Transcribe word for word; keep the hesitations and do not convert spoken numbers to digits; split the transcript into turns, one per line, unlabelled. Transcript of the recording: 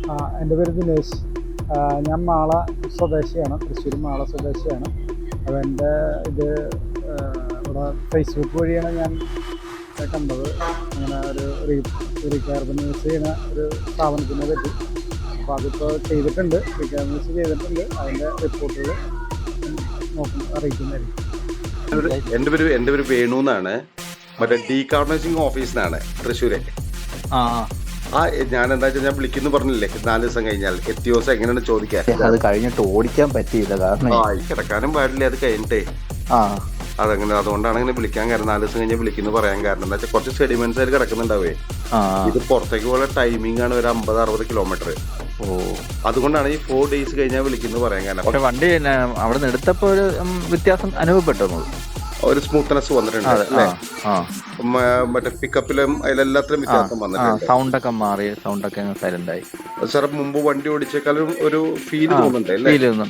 ആ, എൻ്റെ പേര് ദിനേശ്. ആ, ഞാൻ മാള സ്വദേശിയാണ്, തൃശ്ശൂർ മാള സ്വദേശിയാണ്. അപ്പോൾ എൻ്റെ ഇത് ആ, ഇവിടെ ഫേസ്ബുക്ക് വഴിയാണ് ഞാൻ കണ്ടത്. അങ്ങനെ ഒരു റീ റീകാർബണൈസ് ചെയ്യുന്ന ഒരു സ്ഥാപനത്തിനെ പറ്റി. അപ്പോൾ അതിപ്പോൾ ചെയ്തിട്ടുണ്ട്, റീകാർബണൈസ് ചെയ്തിട്ടുണ്ട്. അതിൻ്റെ റിപ്പോർട്ടുകൾ നോക്കും അറിയിക്കുന്നതായിരിക്കും.
എൻ്റെ പേര് എൻ്റെ പേര് വേണു എന്നാണ്. മറ്റേ ഡീകാർബണൈസിങ് ഓഫീസിനാണ് തൃശ്ശൂരെ.
ആ
ആ ഞാൻ എന്താ വെച്ചാൽ ഞാൻ വിളിക്കുന്നു പറഞ്ഞില്ലേ, നാല് ദിവസം കഴിഞ്ഞാൽ എത്തിയ ദിവസം എങ്ങനെയാണ് ചോദിക്കാൻ.
അത് കഴിഞ്ഞിട്ട് ഓടിക്കാൻ പറ്റിയില്ല, കാരണം
ആ ഈ കിടക്കാനും പാടില്ല അത് കഴിഞ്ഞിട്ടേ.
ആ
അതങ്ങനെ അതുകൊണ്ടാണ് അങ്ങനെ വിളിക്കാൻ കാരണം. നാല് ദിവസം കഴിഞ്ഞാൽ വിളിക്കുന്നു പറയാൻ കാരണം എന്താ വെച്ചാൽ കുറച്ച് സെഡിമെന്റ്സ് അതിൽ കിടക്കുന്നുണ്ടാവേ.
ആ
ഇത് പുറത്തേക്ക് പോലെ ടൈമിംഗ് ആണ് ഒരു അമ്പത് അറുപത് കിലോമീറ്റർ.
ഓ
അതുകൊണ്ടാണ് ഈ ഫോർ ഡേയ്സ് കഴിഞ്ഞാൽ വിളിക്കുന്നു പറയാൻ കാരണം.
പക്ഷെ വണ്ടി പിന്നെ അവിടെ നിന്ന് എടുത്തപ്പോ ഒരു ഉം, വ്യത്യാസം അനുഭവപ്പെട്ടു.
ഒരു സ്മൂത്ത്നെസ് വന്നിട്ടുണ്ട് അല്ലേ? മറ്റേ പിക്കപ്പിലും അതിലെല്ലാത്തിലും വ്യത്യാസം വന്നിട്ടുണ്ട്.
സൗണ്ട് ഒക്കെ മാറി, സൗണ്ട് ഒക്കെ സൈലന്റ് ആയി.
സാർ മുമ്പ് വണ്ടി ഓടിച്ചേക്കാളും ഒരു ഫീൽ തോന്നുന്നുണ്ട് അല്ലേ?
ഫീൽ